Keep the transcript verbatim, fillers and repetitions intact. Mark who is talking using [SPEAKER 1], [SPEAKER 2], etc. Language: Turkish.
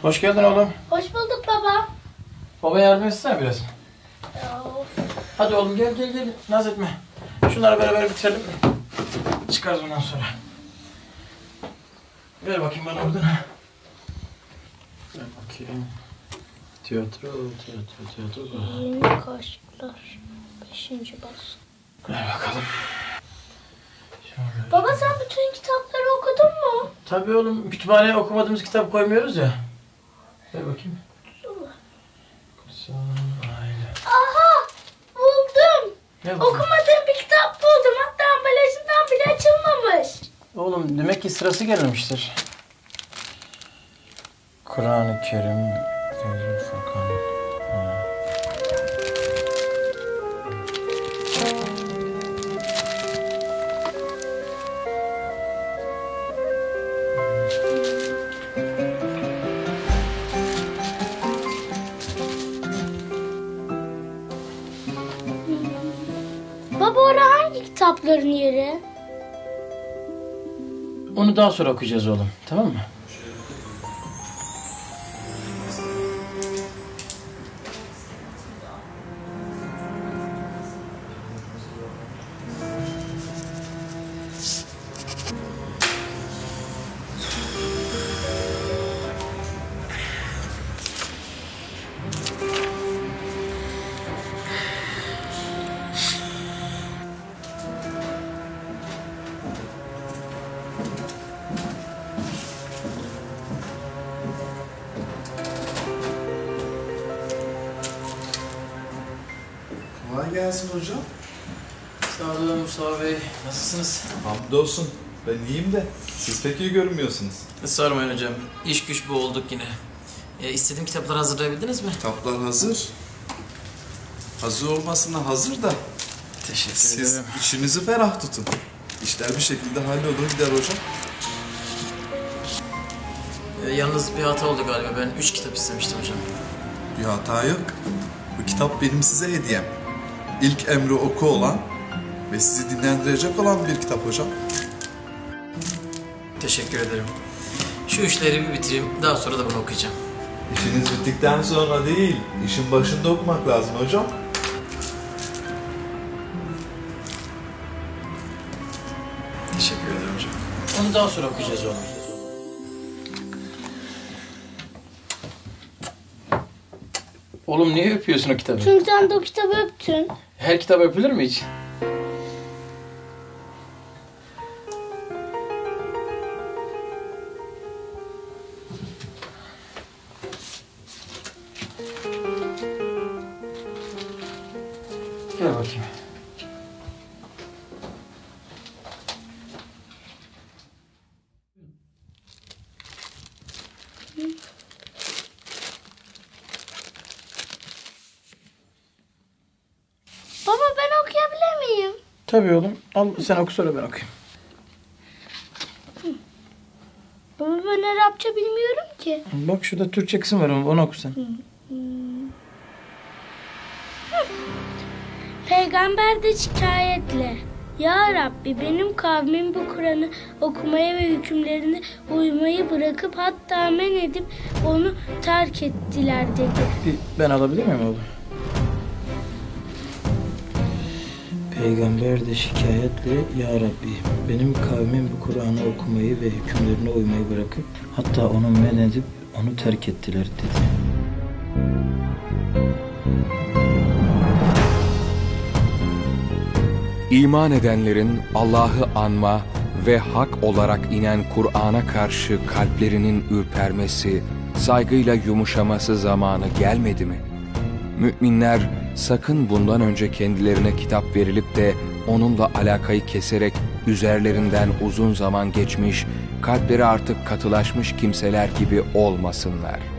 [SPEAKER 1] Hoş geldin oğlum.
[SPEAKER 2] Hoş bulduk baba.
[SPEAKER 1] Baba yardım etsene biraz.
[SPEAKER 2] Ya, of.
[SPEAKER 1] Hadi oğlum gel gel gel. Naz etme. Şunları beraber bitirelim. Çıkarız ondan sonra. Ver bakayım bana oradan. Ver bakayım. Tiyatro, tiyatro, tiyatro.
[SPEAKER 2] Yeni kaşıklar. Beşinci baskı.
[SPEAKER 1] Ver bakalım. Şöyle.
[SPEAKER 2] Baba sen bütün kitapları okudun mu?
[SPEAKER 1] Tabii oğlum, kütüphaneye okumadığımız kitap koymuyoruz ya. Ver bakayım. Kutsal Aile.
[SPEAKER 2] Aha! Buldum.
[SPEAKER 1] Ne buldun?
[SPEAKER 2] Okumadığım bir kitap buldum. Hatta ambalajından bile açılmamış.
[SPEAKER 1] Oğlum demek ki sırası gelmemiştir. Kur'an-ı Kerim, Feyzul Furkan. Ha.
[SPEAKER 2] Baba orada hangi kitapların yeri?
[SPEAKER 1] Onu daha sonra okuyacağız oğlum, tamam mı?
[SPEAKER 3] Kolay gelsin hocam.
[SPEAKER 1] Sağ olun Mustafa Bey, nasılsınız?
[SPEAKER 3] Hamdolsun. Ben iyiyim de siz pek iyi görünmüyorsunuz.
[SPEAKER 1] Sormayın hocam, iş güç bu olduk yine. E, istediğim kitapları hazırlayabildiniz mi?
[SPEAKER 3] Kitaplar hazır. Hazır olmasına hazır da
[SPEAKER 1] Teşekkür
[SPEAKER 3] siz
[SPEAKER 1] ederim.
[SPEAKER 3] içinizi ferah tutun. İşler bir şekilde hallolur gider hocam.
[SPEAKER 1] E, yalnız bir hata oldu galiba, ben üç kitap istemiştim hocam.
[SPEAKER 3] Bir hata yok. Bu kitap benim size hediyem. İlk emri oku olan ve sizi dinlendirecek olan bir kitap hocam.
[SPEAKER 1] Teşekkür ederim. Şu işleri bir bitireyim, daha sonra da bunu okuyacağım.
[SPEAKER 3] İşiniz bittikten sonra değil, işin başında okumak lazım hocam.
[SPEAKER 1] Teşekkür ederim hocam. Onu daha sonra okuyacağız oğlum. Oğlum niye öpüyorsun o kitabı?
[SPEAKER 2] Çünkü sen de o kitabı öptün.
[SPEAKER 1] Her kitap öpülür mü hiç? Gel bakayım.
[SPEAKER 2] Baba ben okuyabilir miyim?
[SPEAKER 1] Tabii oğlum. Al sen oku sonra ben okuyayım.
[SPEAKER 2] Baba ben Arapça bilmiyorum ki.
[SPEAKER 1] Bak şurada Türkçe kısım var, onu oku sen.
[SPEAKER 2] Peygamber de şikayetle. Ya Rabbi benim kavmim bu Kur'an'ı okumaya ve hükümlerine uymayı bırakıp hatta men edip onu terk ettiler dedi.
[SPEAKER 1] Bir ben alabilir miyim oğlum? Peygamber de şikayetle Ya Rabbi benim kavmim bu Kur'an'ı okumayı ve hükümlerine uymayı bırakıp hatta onu men edip onu terk ettiler dedi.
[SPEAKER 4] İman edenlerin Allah'ı anma ve hak olarak inen Kur'an'a karşı kalplerinin ürpermesi, saygıyla yumuşaması zamanı gelmedi mi? Müminler sakın bundan önce kendilerine kitap verilip de onunla alakayı keserek üzerlerinden uzun zaman geçmiş, kalpleri artık katılaşmış kimseler gibi olmasınlar.